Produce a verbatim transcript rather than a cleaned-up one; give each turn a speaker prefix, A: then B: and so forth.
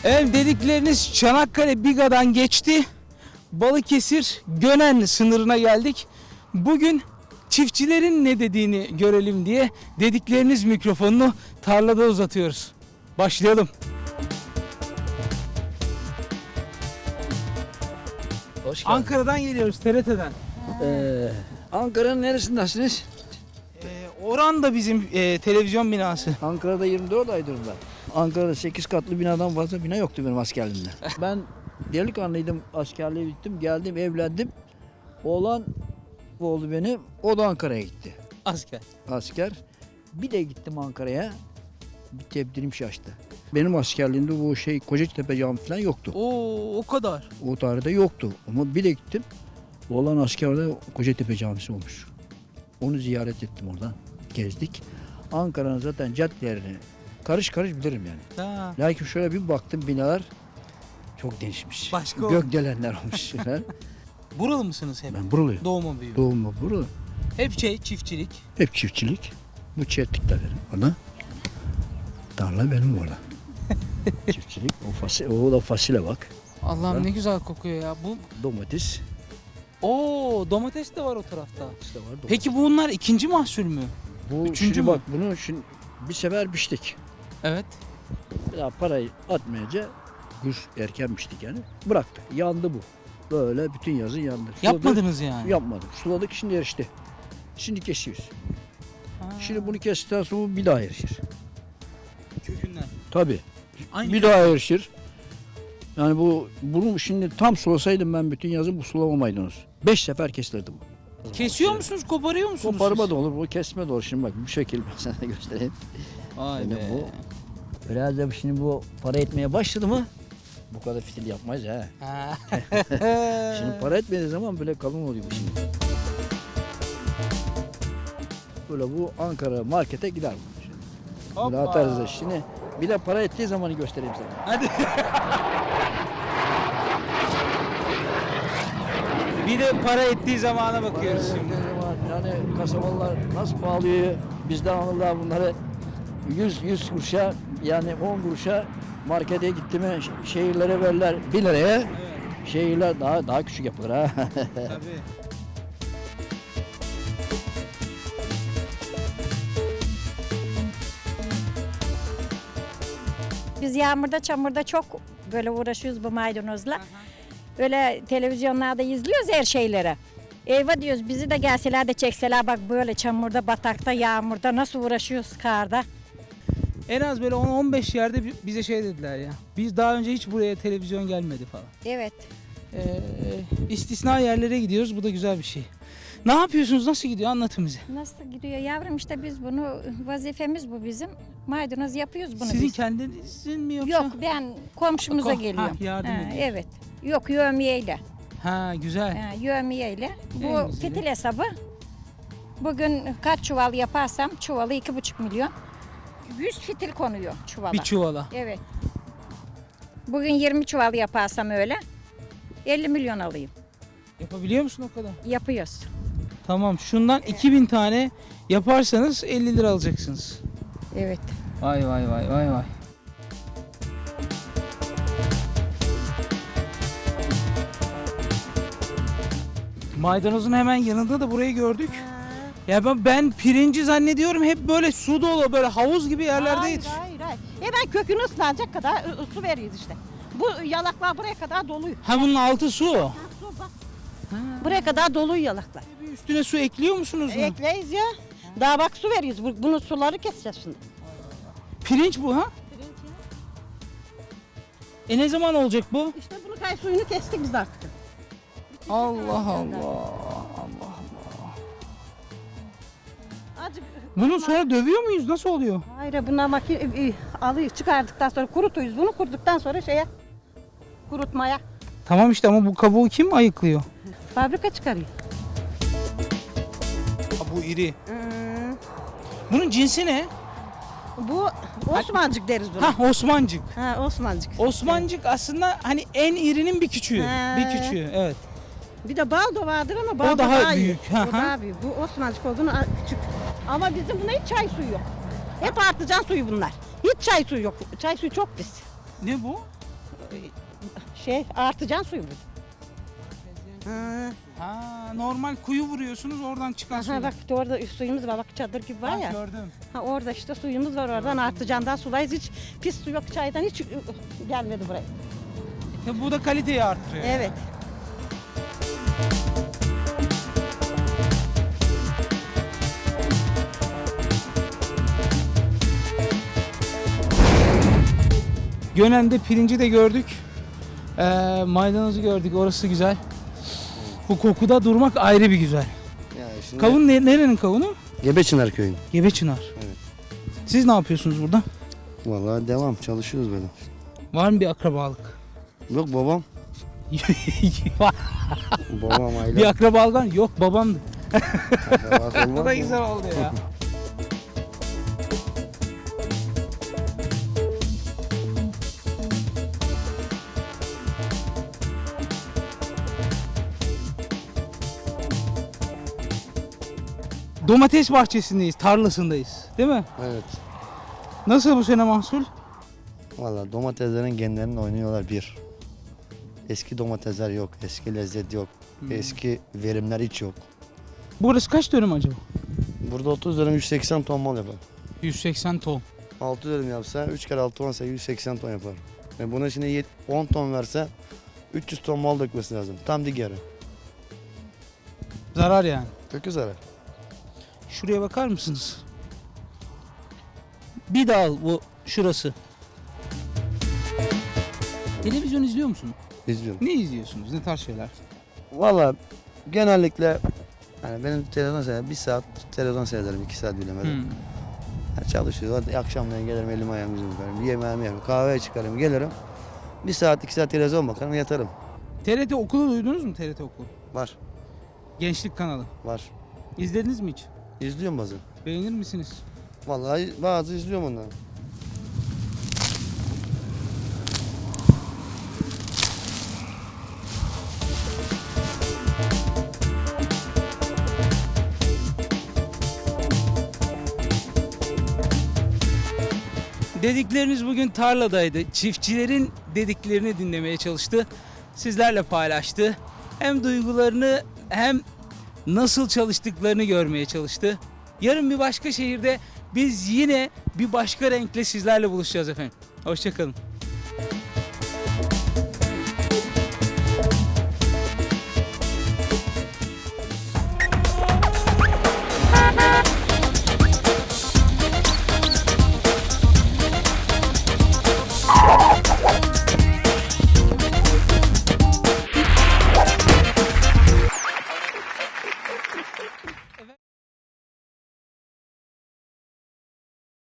A: Evet, dedikleriniz Çanakkale Biga'dan geçti. Balıkesir Gönen sınırına geldik. Bugün çiftçilerin ne dediğini görelim diye dedikleriniz mikrofonunu tarlada uzatıyoruz. Başlayalım.
B: Hoş geldin.
A: Ankara'dan geliyoruz, T R T'den.
B: Ee, Ankara'nın neresindesiniz?
A: Ee, Oran da bizim e, televizyon binası.
B: Ankara'da yirmi dört aydır ben. Ankara'da sekiz katlı binadan fazla bina yoktu benim askerliğimde. Ben delikanlıydım, askerliğe gittim, geldim, evlendim. Oğlan oldu benim, o da Ankara'ya gitti.
A: Asker.
B: Asker. Bir de gittim Ankara'ya, bir tebdilim şaştı. Benim askerliğimde bu şey Kocatepe Camii falan yoktu.
A: Oo, o kadar.
B: O tarihte yoktu ama bir de gittim. Oğlan askerde Kocatepe Camisi olmuş. Onu ziyaret ettim oradan. Gezdik. Ankara'nın zaten caddelerini karış karış bilirim yani.
A: Ha.
B: Lakin şöyle bir baktım binalar çok değişmiş.
A: Başka olmuş.
B: Gökdelenler olmuş.
A: Buralı mısınız hep?
B: Ben buralıyım.
A: Doğma büyüme.
B: Doğumlu buralı.
A: Hep şey, çiftçilik.
B: Hep çiftçilik. Bu çiftlik de benim. Ona. Tarla benim orada. Çiftçilik. O, fasulye, o da fasulye bak.
A: Allah'ım
B: Ha?
A: ne güzel kokuyor ya. Bu
B: Domates.
A: Oo, domates de var o tarafta.
B: İşte var domates.
A: Peki bunlar ikinci mahsul mü?
B: bu
A: üçüncü
B: şimdi
A: mü?
B: bak bunu şimdi bir sefer biçtik.
A: Evet.
B: Bir daha parayı atmayınca kış erken biçtik yani. Bıraktık. Yandı bu. Böyle bütün yazın yandı. Suladık,
A: Yapmadınız yani.
B: Yapmadık. Suladık şimdi erişti. Şimdi kesiyoruz.
A: Ha.
B: Şimdi bunu kestikten sonra bu bir daha erişir.
A: Kökünden.
B: Tabii.
A: Aynı
B: Bir daha erişir. Yani bu bunu şimdi tam sulasaydım ben bütün yazın bu sulamamaydınız. Beş sefer kesilirdi bu.
A: Kesiyor musunuz, koparıyor musunuz?
B: Koparma
A: siz?
B: da olur, bu kesme de olur. Şimdi bak bu şekil ben sana göstereyim.
A: Vay
B: Yani
A: be.
B: bu biraz da şimdi bu para etmeye başladı mı bu kadar fitil yapmayız ha.
A: Ha.
B: Şimdi para etmediği zaman böyle kalın oluyor bu şimdi. Böyle bu Ankara markete gider bu şimdi. Böyle
A: Hoppa.
B: atarız da şimdi. Bir de para ettiği zamanı göstereyim sana.
A: Hadi. Bir de para ettiği zamana bakıyoruz
B: Para
A: şimdi.
B: ettiği zaman yani kasabalar nasıl pahalıyor bizden alırlar bunları yüz yüz kuruşa yani on kuruşa markete gitti mi ş- şehirlere verirler bir liraya.
A: Evet,
B: Şehirler daha daha küçük yapılır ha.
A: tabii.
C: Biz yağmurda çamurda çok böyle uğraşıyoruz bu maydanozla. Böyle televizyonlarda izliyoruz her şeyleri. Eyvah diyoruz bizi de gelseler de çekseler bak böyle çamurda, batakta, yağmurda nasıl uğraşıyoruz karda.
A: En az böyle on on beş yerde bi- bize şey dediler ya. Biz daha önce hiç buraya televizyon gelmedi falan.
C: Evet.
A: Ee, istisna yerlere gidiyoruz. Bu da güzel bir şey. Ne yapıyorsunuz? Nasıl gidiyor? Anlatın bize.
C: Nasıl gidiyor yavrum işte biz bunu vazifemiz bu bizim. Maydanoz yapıyoruz bunu
A: Sizin
C: biz.
A: kendinizin mi yoksa?
C: Yok ben komşumuza
A: Ko- ha,
C: geliyorum.
A: yardım
C: Ha,
A: ediyorsun.
C: evet. Yok yövmiyeyle.
A: Ha, güzel.
C: Ha, yövmiyeyle.
A: En
C: Bu
A: güzeli.
C: fitil hesabı. Bugün kaç çuval yaparsam çuvalı iki buçuk milyon. Yüz fitil konuyor çuvala.
A: Bir çuvala.
C: Evet. Bugün yirmi çuval yaparsam öyle elli milyon alayım.
A: Yapabiliyor musun o kadar?
C: Yapıyoruz.
A: Tamam. Şundan iki bin tane yaparsanız elli lira alacaksınız.
C: Evet.
A: Vay vay vay vay vay. Maydanozun hemen yanında da burayı gördük. Ya ben, ben pirinci zannediyorum hep böyle su dolu böyle havuz gibi yerlerde
D: Hayır,
A: yetiş.
D: hayır, hayır. Hemen kökünü ıslanacak kadar ı- su veriyoruz işte. Bu yalaklar buraya kadar doluyor.
A: Ha, bunun altı su.
D: Ha, su bak. Buraya kadar doluyor yalaklar.
A: Bir üstüne su ekliyor musunuz? mu?
D: Ekleyiz ya. Daha bak su veriyoruz. Bu- Bunun suları keseceğiz şimdi.
A: Pirinç bu ha? E ne zaman olacak bu?
D: İşte bunu kay suyunu kestik biz artık.
A: Allah Allah.
D: Azıcık,
A: Bunu sonra dövüyor muyuz? Nasıl oluyor?
D: hayır bunlar makine e, alıyor çıkardıktan sonra kurutuyuz. Bunu kuruduktan sonra şeye kurutmaya
A: Tamam işte ama bu kabuğu kim ayıklıyor?
D: fabrika çıkarıyor.
A: Ha, bu iri.
D: Hmm,
A: Bunun cinsi ne?
D: bu Osmancık deriz buna.
A: Ha, Osmancık.
D: Ha, Osmancık.
A: Osmancık aslında hani en irinin bir küçüğü.
D: He.
A: Bir küçüğü, evet.
D: Bir de baldo vardır ama baldo
A: daha
D: daha, iyi.
A: büyük, ha,
D: O
A: ha.
D: daha büyük. Bu Osmancık olduğunu a- küçük. Ama bizim buna hiç çay suyu yok. Hep artıcan suyu bunlar. Hiç çay suyu yok. Çay suyu çok pis.
A: Ne bu?
D: Şey artıcan suyu bu. Ha,
A: Ha, normal kuyu vuruyorsunuz oradan çıkan su.
D: aha, bak orada suyumuz var, bak çadır gibi var
A: Ha,
D: ya.
A: gördüm.
D: Ha, orada işte suyumuz var, oradan artıcandan sulayız, hiç pis su yok, çaydan hiç ı, ı, gelmedi buraya.
A: Ya bu da kaliteyi arttırıyor.
D: Evet.
A: Gönen'de pirinci de gördük. Ee, maydanozu gördük. Orası güzel. Bu kokuda durmak ayrı bir güzel.
E: Yani şimdi
A: Kavun ne, nerenin kavunu?
E: Gebeçınar köyün.
A: Gebeçınar.
E: Evet.
A: Siz ne yapıyorsunuz burada?
E: Vallahi devam çalışıyoruz böyle.
A: Var mı bir akrabalık?
E: Yok babam.
A: Var.
E: Babam aile.
A: Bir akrabalık yok babamdı.
E: akrabası olmaz
A: Bu da
E: mı?
A: güzel oldu ya. Domates bahçesindeyiz, tarlasındayız. Değil mi?
E: Evet.
A: Nasıl bu sene mahsul?
E: Vallahi domateslerin genlerini oynuyorlar bir. Eski domatesler yok, eski lezzet yok,
A: Hmm.
E: eski verimler hiç yok.
A: Burası kaç dönüm acaba?
E: Burada otuz dönüm yüz seksen ton mal yapar.
A: yüz seksen ton.
E: altı dönüm yapsa üç kere altı on sekiz yüz seksen ton yapar. E buna şimdi yet- on ton verse üç yüz ton mal dökmesi lazım. Tam digeri.
A: Zarar yani.
E: Kökü zarar.
A: Şuraya bakar mısınız? Bir dal bu şurası. Televizyon izliyor musun?
E: İzliyorum.
A: Ne izliyorsunuz? Ne tarz şeyler?
E: Valla genellikle yani benim televizyon seyrederim. Bir saat televizyon seyrederim. iki saat bilemedim.
A: Hmm.
E: Yani çalışıyor. Hadi akşamleyin gelirim elimi ayağımı yüzümü yıkarım. Yemeğimi yerim. Kahveye çıkarım gelirim. Bir saat iki saat televizyon bakarım yatarım.
A: T R T Okulu duydunuz mu? T R T Okulu.
E: Var.
A: Gençlik kanalı.
E: Var.
A: İzlediniz mi hiç?
E: İzliyorum bazen.
A: Beğenir misiniz?
E: Vallahi bazı izliyorum onları.
A: Dedikleriniz bugün tarladaydı. Çiftçilerin dediklerini dinlemeye çalıştı. Sizlerle paylaştı. Hem duygularını hem nasıl çalıştıklarını görmeye çalıştı. Yarın bir başka şehirde biz yine bir başka renkle sizlerle buluşacağız efendim. Hoşça kalın.